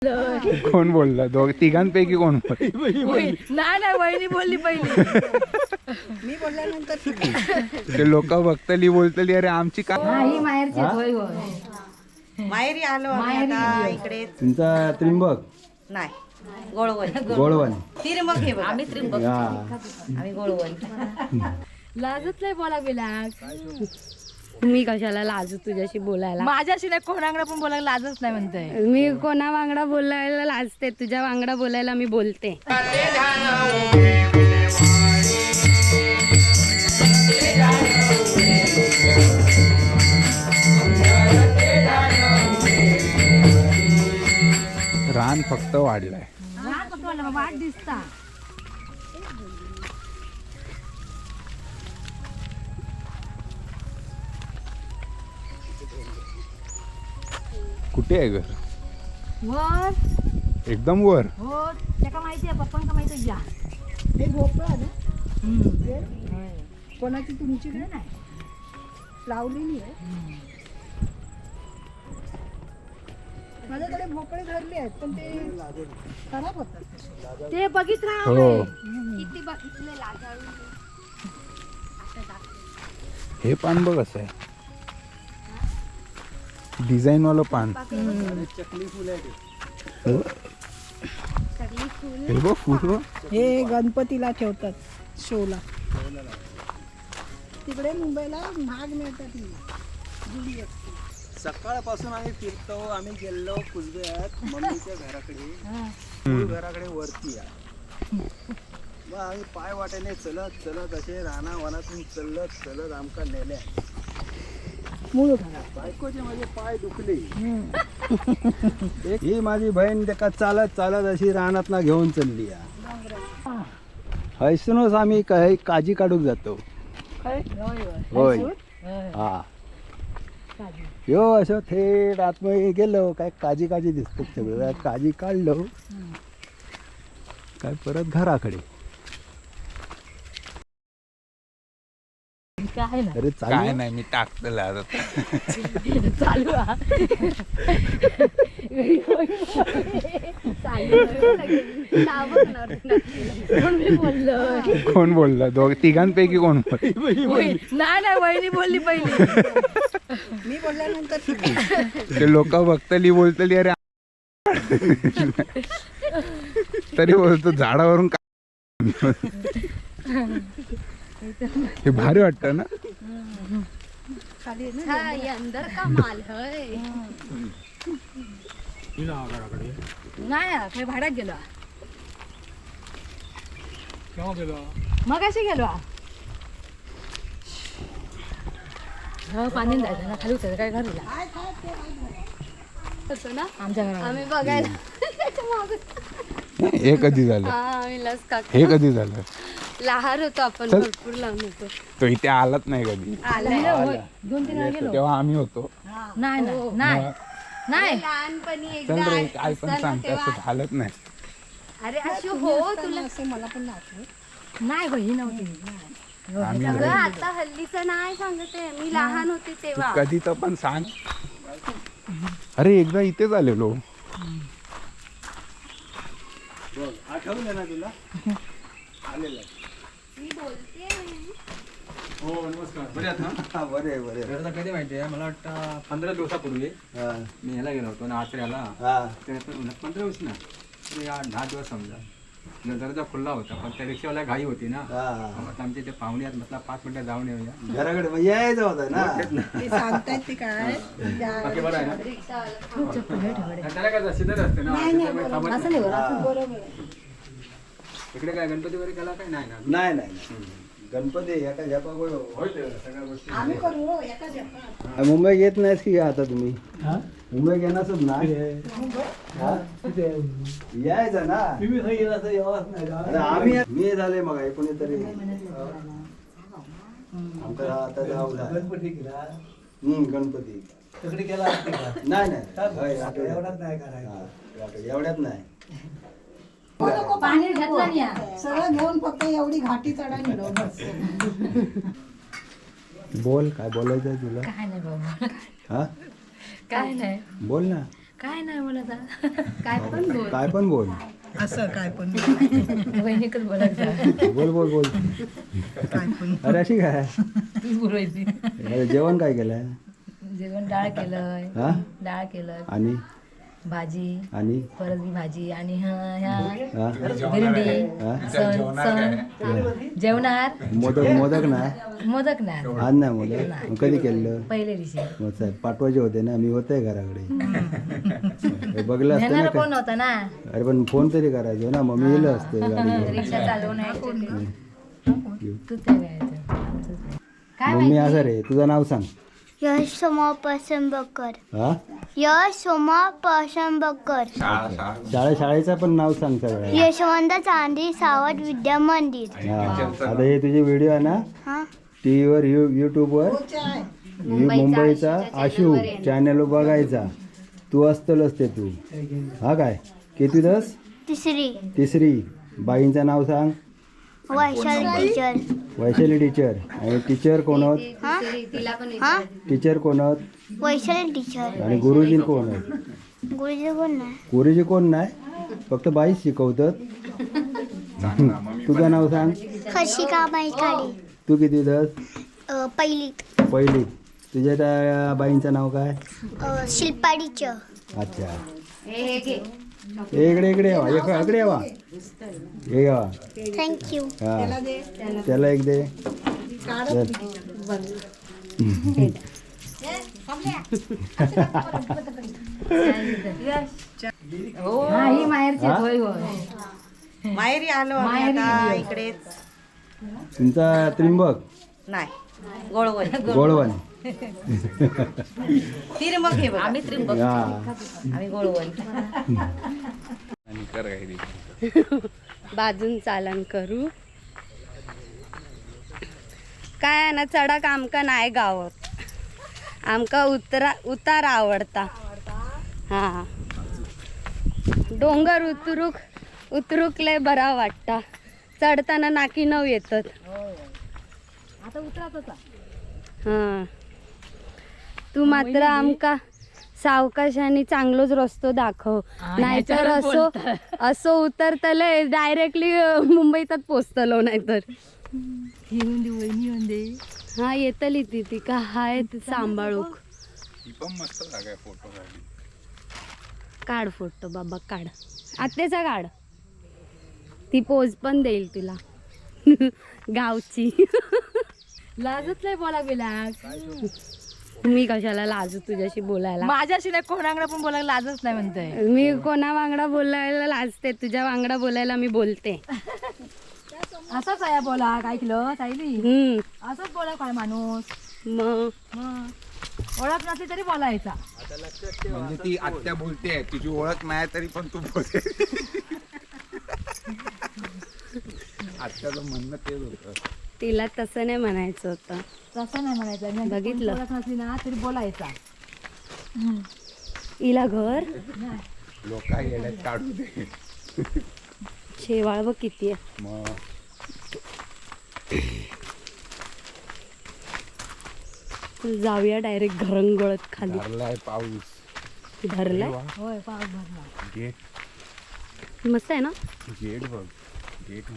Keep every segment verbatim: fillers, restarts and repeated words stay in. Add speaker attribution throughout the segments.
Speaker 1: कोण बोलला? दोघ तिघांपैकी कोण बोलला?
Speaker 2: नाही नाही वहिनी बोलली पहिली.
Speaker 3: मी बोलल्यानंतर
Speaker 1: ते लोक बघतली बोलतली अरे आमची का
Speaker 2: ही माहेरची होय होय.
Speaker 3: माहेरी आलो आम्ही आता इकडे.
Speaker 4: तुमचा त्रिंबक
Speaker 3: नाही गोळवण
Speaker 4: गोळवण
Speaker 3: त्रिंबक हे बघा.
Speaker 2: आम्ही त्रिंबक
Speaker 4: हा
Speaker 3: आम्ही गोळवण.
Speaker 2: लाजत नाही बोला बिला.
Speaker 5: मी कशाला लाजू तुझ्याशी बोलायला?
Speaker 2: माझ्याशी नाही कोणाकडे पण बोलायला लाजच नाही म्हणते.
Speaker 5: मी कोणा वांगडा बोलायला लाजते, तुझ्या वांगडा बोलायला मी बोलते.
Speaker 1: रान फक्त वाढलाय.
Speaker 2: वाट दिसता.
Speaker 1: कुठे आहे घर?
Speaker 2: वर
Speaker 1: एकदम वर.
Speaker 2: हो त्याका माहिती आहे, पप्पांका माहिती आहे. या
Speaker 3: हे भोपळा ना
Speaker 2: हम्म.
Speaker 3: कोणाची तुमची नाही लावलेली आहे. माझ्याकडे भोपळे धरले आहेत पण ते खराब होतात.
Speaker 2: ते बघित राहा.
Speaker 1: हो
Speaker 5: किती बघितले लाजाळू.
Speaker 1: हे पान बघ असं आहे, डिझाईन वालं पान.
Speaker 4: चकली फुल आहे
Speaker 1: हो. हे बघ फुल.
Speaker 3: हे गणपतीला ठेवतात शोला. तिकडे मुंबईला महाग मिळतात ही जुडी असते.
Speaker 4: सकाळपासून आम्ही फिरतो. आम्ही गेलो कुसब्यात मम्मीच्या घराकडे. मूळ घराकडे वरती आहे. मग आम्ही पाय वाटेने चलत चलत असे राणा वनातून चलत चलत आमका नेल्या.
Speaker 3: मूळ घरात
Speaker 4: बायकोचे माझे पाय दुखले. ही माझी बहीण त्याका चालत चालत अशी रानात ना घेऊन चालली. हैसूनच आम्ही काही काजी काढूक जातो. होय हा यो असं थेट आतमध्ये गेलो काय काजी काजी दिसतो सगळं. काजी काढलो काय परत घराकडे.
Speaker 2: काय ना
Speaker 4: अरे
Speaker 1: काय
Speaker 4: चालू
Speaker 1: नाही मी टाकतलं आता.
Speaker 2: चालू हा. कोण मी बोललो?
Speaker 1: कोण बोलला? दोघ तिघांपैकी कोण बोलला?
Speaker 2: नाही नाही वहिनी बोलली पहिली.
Speaker 3: मी बोलल्यानंतर
Speaker 1: ते लोक बघतली बोलतली अरे तरी बोलतो झाडावरून का. हे भारी वाटतं ना.
Speaker 3: खाली आहे
Speaker 5: हा, ये अंदर का माल है.
Speaker 2: नाही काही भाड्यात गेलो. मग अशी गेलो. हो पाणी जायचं ना खाली उतर काय घरीला
Speaker 5: होतं ना
Speaker 2: आमच्या घरात.
Speaker 5: आम्ही बघायला.
Speaker 1: हे कधी झालं?
Speaker 5: हा, आम्ही लस काका
Speaker 1: हे कधी झालं?
Speaker 5: लहान होतो आपण,
Speaker 1: चल.
Speaker 5: भरपूर लहान होतो.
Speaker 1: तो इथे आलाच नाही कधी.
Speaker 2: दोन तीन वेळा गेलो.
Speaker 1: तेव्हा आम्ही होतो.
Speaker 2: नाही नाही नाही नाही
Speaker 5: लहानपणी
Speaker 1: चल
Speaker 5: एकदा
Speaker 1: रे काय पण
Speaker 5: असताना
Speaker 1: सांगते असं
Speaker 5: तेव्हा-
Speaker 1: झालंच नाही.
Speaker 5: अरे अशी हो तुला
Speaker 3: असं मला पण आठवत.
Speaker 2: नाही बही नव्हती.
Speaker 1: आम्ही
Speaker 5: सगळं
Speaker 1: नाही.
Speaker 5: आता हल्लीचं नाही सांगते. मी लहान होते
Speaker 1: तू
Speaker 5: तेव्हा.
Speaker 1: कधी तर पण सांग. अरे एकदा इथेच आलेलो.
Speaker 4: आठवलं ना तुला? आलेलं
Speaker 5: मी बोलते.
Speaker 6: हो नमस्कार. बरे आहात ना?
Speaker 4: हा बरे बरे.
Speaker 6: तर आता कधी माहिती आहे मला वाटतं पंधरा दिवसापूर्वी
Speaker 4: हा
Speaker 6: मी ह्याला गेलो होतो ना आचऱ्याला.
Speaker 4: हा
Speaker 6: तर पंधरा दिवस ना तरी या दहा दिवस समजा दरवाजा खुल्ला होता पण त्या रिक्षावाल्या घाई होती ना.
Speaker 4: हा
Speaker 6: मग आता आमचे ते पाहुणे आहेत म्हटलं पाच मिनिटं जाऊन येऊया.
Speaker 4: घराकडे मग यायचं होतं ना.
Speaker 3: ते सांगतायत ते काय
Speaker 6: बाकी बरं आहे ना? त्याला काय सिद्ध असते ना त्याच्यामुळे थांबत
Speaker 2: असं
Speaker 6: नाही.
Speaker 2: नाही बरं.
Speaker 3: बरोबर.
Speaker 6: इकडे काय गणपती वगैरे केला काय नाही ना?
Speaker 4: नाही नाही नाही. गणपती एका झेपा गोळ
Speaker 6: होय ते सगळ्या गोष्टी.
Speaker 3: आम्ही करू हो, एका जपात.
Speaker 4: मुंबईत येत नाहीस की आता तुम्ही? मुंबईत येणारच ना. हा? यायचं ना. अरे आम्ही मी झाले मग कोणीतरी आमचा आता जाऊ हम्म गणपती नाही नाही एवढ्यात नाही एवढ्यात नाही.
Speaker 2: पाणी घातलं नाही या.
Speaker 3: सगळं घेऊन फक्त एवढी घाटी चढा निघलो बस.
Speaker 4: बोल काय बोलायचं आहे तुला?
Speaker 2: काय नाही बाबा.
Speaker 4: हा
Speaker 2: काय नाही
Speaker 4: बोल ना.
Speaker 2: काय नाही बोलत हा. काय पण बोल
Speaker 1: काय पण बोल.
Speaker 3: असं काय पण
Speaker 2: वहिनीकच बोलायचं
Speaker 1: बोल बोल बोल.
Speaker 3: काय पण
Speaker 1: अरे अशी काय
Speaker 2: तूच बोलायची.
Speaker 1: अरे जेवण काय केलंय?
Speaker 2: जेवण डाळ केलंय
Speaker 1: हा
Speaker 2: डाळ केलं
Speaker 1: आणि
Speaker 2: भाजी
Speaker 1: आणि
Speaker 2: परत मी भाजी आणि ह्या ह्या
Speaker 1: हा
Speaker 2: भिरडी
Speaker 1: हा?
Speaker 2: सण सण जेवणार
Speaker 1: मोदक मोदक नाही
Speaker 2: मोदक नाही
Speaker 1: आज नाही मोदक मग कधी केलं?
Speaker 2: पहिले दिवशी
Speaker 1: मग साहेब पाठवायचे होते ना, मी होते घराकडे. हे बघलं असतं ना
Speaker 2: नेणार
Speaker 1: काय?
Speaker 2: कोण होता ना
Speaker 1: अरे पण फोन तरी करायचो ना, मग मी येलं असते गाडी
Speaker 2: रिक्षा चालवून तू ते घ्यायचं आमचंच नाही. काय
Speaker 1: मम्मी असं रे, तुझं नाव सांग.
Speaker 5: यश सोमा पसंबकर
Speaker 1: हा
Speaker 5: यश सोमा पसंबकर
Speaker 6: शाळा शाळा
Speaker 1: शाळे शाळेचं पण नाव सांग सगळं.
Speaker 5: यशवंत चांदी सावध विद्या मंदिर.
Speaker 1: हा आता हे तुझे व्हिडिओ आहे ना
Speaker 5: हा
Speaker 1: टी व्हीवर यू यूट्यूबवर मुंबईचा आशू चॅनल बघायचा. तू असतलच ते तू. हा काय किती दस
Speaker 5: तिसरी
Speaker 1: तिसरी. बाईंचं नाव सांग.
Speaker 5: वैशाली टीचर.
Speaker 1: वैशाली टीचर. आणि टीचर कोण होत?
Speaker 5: हा हा
Speaker 1: टीचर कोण होत?
Speaker 5: वैशाली टीचर.
Speaker 1: आणि गुरुजी कोण होत?
Speaker 5: गुरुजी कोण नाही.
Speaker 1: गुरुजी कोण नाही, फक्त बाईच शिकवतात. तुझं नाव सांग.
Speaker 5: हर्षिका बाईकाडे.
Speaker 1: तू किती दस?
Speaker 5: अ, पहिली
Speaker 1: पहिली. तुझ्या त्या बाईंचं नाव काय?
Speaker 5: अ, शिल्पा टीचर.
Speaker 1: अच्छा. इकडे इकडे यावा एक इकडे यावा हे यावा.
Speaker 5: थँक्यू.
Speaker 1: हा त्याला एक दे. चल.
Speaker 2: हा ही माहेरची
Speaker 1: हा?
Speaker 2: होय होय
Speaker 3: माहेरी आलो आम्ही आता इकडेच.
Speaker 1: तुमचा त्रिंबक
Speaker 3: नाही गोळवण
Speaker 1: गोळवण.
Speaker 3: त्रिंबक हे बघ.
Speaker 2: आम्ही त्रिंबक
Speaker 1: हा
Speaker 2: आम्ही गोळवण
Speaker 6: आणि कर काही
Speaker 5: बाजून चालन करू. काय आहे ना चढाक आमका नाही गावत. आमका उतरा उतार आवडता. हा डोंगर उतरूक उतरूक लय बरा वाटता. चढताना नाकी नव येतात.
Speaker 2: आता उतराच
Speaker 5: हा तू मात्र आमका सावकाशाने चांगलोच रस्तो दाखव. नाहीतर असो असो उतरतले डायरेक्टली मुंबईतच पोचतलो. नाहीतर
Speaker 2: येऊन दे वहिनी येऊन दे.
Speaker 5: हा येतली ती ती का हाय ती सांभाळूक.
Speaker 6: ती पण मस्त जागा आहे फोटो काढली.
Speaker 5: काढ फोटो बाबा काढ. आत्याचा काढ. ती पोज पण देईल तुला गावची.
Speaker 2: लाजत नाही बोला बिला.
Speaker 5: मी कशाला लाजू तुझ्याशी बोलायला.
Speaker 2: माझ्याशी नाही कोणाकडे पण बोलायला लाजच नाही म्हणतोय.
Speaker 5: मी कोणा वांगडा बोलायला लाजते. तुझ्या वांगडा बोलायला मी बोलते.
Speaker 2: असंच आहे बोला काय किलो सायली.
Speaker 5: हम्म
Speaker 2: असंच बोला काय माणूस.
Speaker 5: मग
Speaker 2: मग ओळख नसली तरी बोलायचा.
Speaker 6: म्हणजे ती आत्या बोलते तुझी ओळख नाही तरी पण तू बोलते. आत्याचं म्हणणं तेच होतं.
Speaker 5: तिला तसं नाही म्हणायचं होतं.
Speaker 2: तसं नाही म्हणायचं. म्हणजे
Speaker 5: बघितलं?
Speaker 2: ओळख नसली ना तरी बोलायचा.
Speaker 5: हिला घर
Speaker 6: लोक येण्यात काढू दे.
Speaker 5: शेवाळ बघ किती आहे.
Speaker 6: मग
Speaker 5: जाऊया डायरेक्ट घरंगळत खाली.
Speaker 6: धरलाय पाऊस.
Speaker 5: धरलाय
Speaker 2: होय पाऊस भरला.
Speaker 6: गेट
Speaker 5: मस्त आहे ना.
Speaker 6: गेट बघ गेट.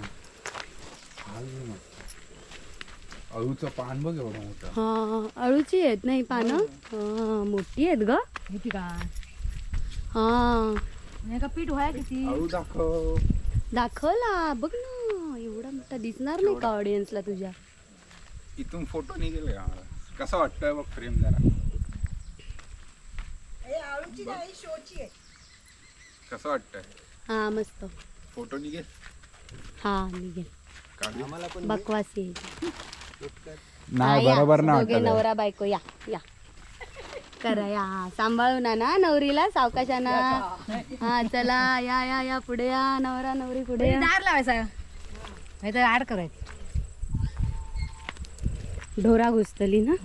Speaker 6: अळूचं पान बघ एवढं मोठं.
Speaker 5: हा अळूची आहेत नाही पानं. हा मोठी आहेत ग.
Speaker 2: किती का
Speaker 5: हा
Speaker 2: नाही का पीठ व्हाय किती.
Speaker 6: अळू दाखव.
Speaker 5: दाखवला बघ ना. एवढा मोठा दिसणार नाही का ऑडियन्सला तुझ्या.
Speaker 6: इथून फोटो निघेल का मला. कसं वाटतंय बघ फ्रेम जरा.
Speaker 3: आळूची नाही शोची आहे.
Speaker 6: कसं वाटतंय
Speaker 5: हा मस्त
Speaker 6: फोटो निघेल.
Speaker 5: हा निघेल.
Speaker 6: काढू.
Speaker 5: बकवासी
Speaker 1: नाही बरोबर ना
Speaker 5: दोघे नवरा बायको या या करा या. सांभाळू ना ना नवरीला सावकाशाना. हा चला या या या पुढे या. नवरा नवरी पुढे या.
Speaker 2: दार लावायचा नाही तर आड करायचं.
Speaker 5: ढोरा घुसतली ना.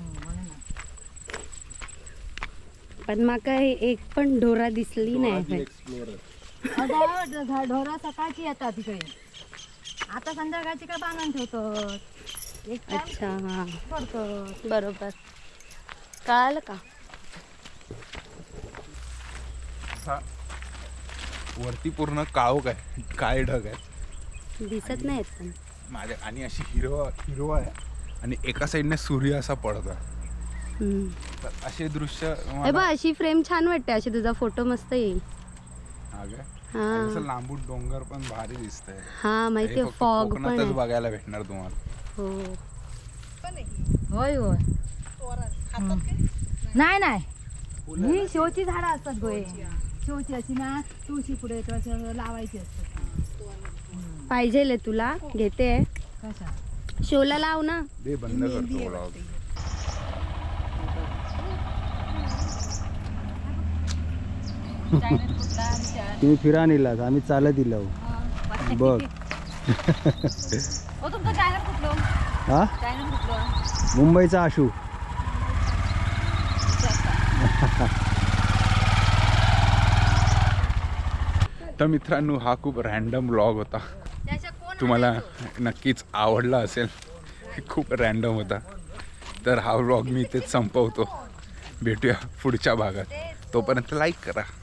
Speaker 5: पण माका एक पण ढोरा दिसली नाही.
Speaker 2: अगं, ढोरा सकाळची येतात तिकडे. आता संध्याकाळची काय बांधून ठेवतो. एक time
Speaker 5: अच्छा हा
Speaker 2: करतो.
Speaker 5: बरोबर कळालं का.
Speaker 7: असा वरती पूर्ण काळोख आहे, काळे ढग आहे
Speaker 5: दिसत नाहीत पण.
Speaker 7: माझ्या आणि अशी हिरवा हिरवा आहे आणि एका साईडने सूर्य असा पडतो.
Speaker 5: हम्म.
Speaker 7: तर असे दृश्य
Speaker 5: हे
Speaker 7: मला-
Speaker 5: बघ अशी फ्रेम छान वाटते, अशी तुझा फोटो मस्त येईल.
Speaker 7: हा काय?
Speaker 5: हा.
Speaker 7: आणि असं लांबून डोंगर पण भारी दिसतंय.
Speaker 5: हा
Speaker 7: हे
Speaker 5: माहितीये,
Speaker 7: फक्त
Speaker 5: फॉग पण
Speaker 7: कोकणातच
Speaker 5: आहे.
Speaker 7: बघायला भेटणार तुम्हाला.
Speaker 5: हो
Speaker 2: होय होय
Speaker 3: तोरण खातात काय?
Speaker 2: नाही नाही ही शोची झाडं असतात गोय, शोची अशी ना तुळशी पुढे किंवा असं लावायची असतात.
Speaker 5: पाहिजे तुला घेते.
Speaker 2: कशा
Speaker 5: शोला लाव ना.
Speaker 7: दे बंद करतो vlog.
Speaker 1: तुम्ही फिरा नेलात, आम्ही चालत दिलो बघ.
Speaker 2: हो तुमचं चॅनल कुठलं?
Speaker 1: हा
Speaker 2: चॅनल कुठलं?
Speaker 1: मुंबईचा आशू.
Speaker 7: तर मित्रांनो, हा खूप रॅन्डम व्लॉग होता. तुम्हाला नक्कीच आवडला असेल. खूप रॅन्डम होता. तर हा व्लॉग मी इथेच संपवतो. भेटूया पुढच्या भागात. तोपर्यंत लाईक करा.